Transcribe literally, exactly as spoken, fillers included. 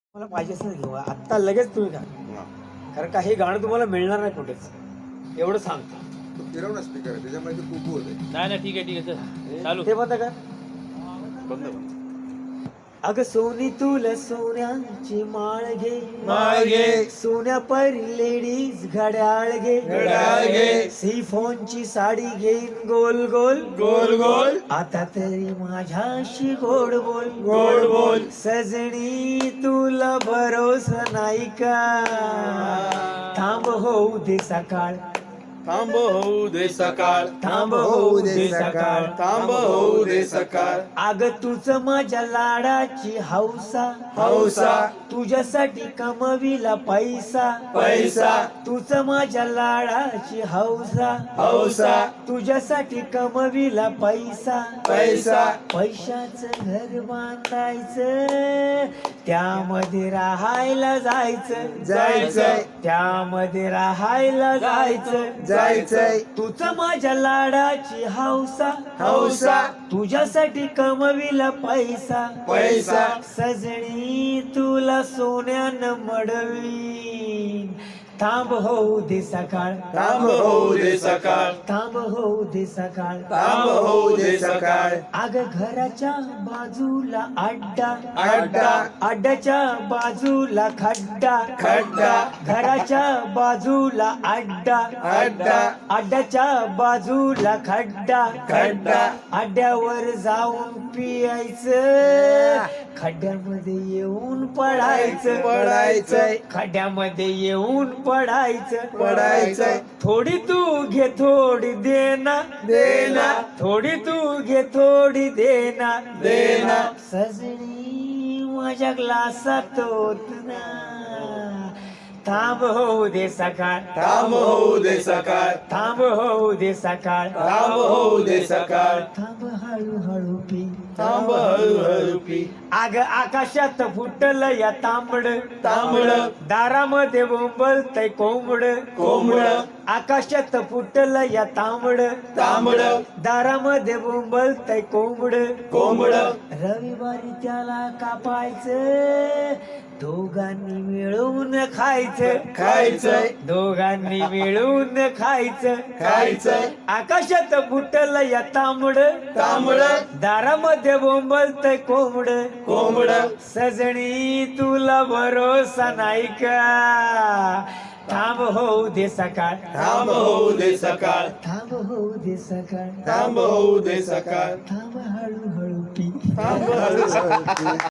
मला पाहिजे असेल घेऊ आत्ता लगेच तुम्ही घ्या, कारण का हे गाणं तुम्हाला मिळणार नाही कुठेच, एवढं सांगतो. फिरव ना स्पीकर त्याच्यामुळे ते कुकू होते. नाही नाही ठीक आहे ठीक आहे चल चालू. ते बंद कर. बंद बंद. अग सोनी तुला सोन्याची माळ घे, माळ घे. सोन्या परी लेडीज घड्याळ घे, घड्याळ घे. सिफॉनची साडी घेईन गोल गोल गोल गोल. आता तरी माझ्याशी गोड बोल गोड बोल. सजनी तुला भरोसा नाही का, थांब होऊ दे सकाळ, थांब होऊ दे सकाळ, थांब होऊ दे सकाळ, थांब होऊ दे सकाळ. अग तुझ माझ्या लाडाची हौसा, हौसा. तुझ्यासाठी कमविला पैसा, पैसा. तुझ माझ्या लाडाची हौसा, हौसा. तुझ्यासाठी कमविला पैसा, पैसा. पैशाचं घर बांधायचं, त्यामध्ये राहायला जायचं, जायचंय. त्यामध्ये राहायला जायचं, जायचंय. तुझं माझ्या लाडाची हौसा, हौसा. तुझ्यासाठी कमविला पैसा, पैसा. सजणी तुला सोन्यानं मडवी, थांब होऊ दे सकाळ, थांब होऊ दे सकाळ, थांब होऊ दे सकाळ, थांब होऊ दे सकाळ. अग घराच्या बाजूला अड्डा, अड्डा. अड्ड्याच्या बाजूला खड्डा, खड्डा. घराच्या बाजूला अड्डा, अड्डा. अड्ड्याच्या बाजूला खड्डा, खड्डा. अड्ड्यावर जाऊन पियायचं, खड्ड्यामध्ये येऊन पडायचं, पडायचंय. खड्ड्यामध्ये येऊन पडायचं, पडायचंय. थोडी तू घे थोडी देना, देना. थोडी तू घे थोडी देना, देना. सजनी माझ्या ग्लासात होत ना, थांब होऊ दे सकाळ, थांब होऊ दे सकाळ, थांब होऊ दे सकाळ, थांब होऊ दे सकाळ. थांब हळूहळू पी, थांब हळूहळू पी. अग आकाशात फुटल या तांबड, तांबड. दारामध्ये बोंबलतय कोंबड, कोंबड. आकाशात फुटल या तांबड, तांबड. दारामध्ये बोंबलतय कोंबड, कोंबड. रविवारी त्याला कापायचं, दोघांनी मिळून खायचं, खायचंय. दोघांनी मिळून खायचं, खायचंय. आकाशात फुटल या तांबड, तांबड. दारामध्ये बोंबलतय कोंबड, कोंबड. सजणी तुला भरोसा नाही का, थांब होऊ दे सकाळ, थांब होऊ दे सकाळ, थांब होऊ दे सकाळ, थांब होऊ दे सकाळ. थांब हळूहळू पी. थांब हळूहळू पी.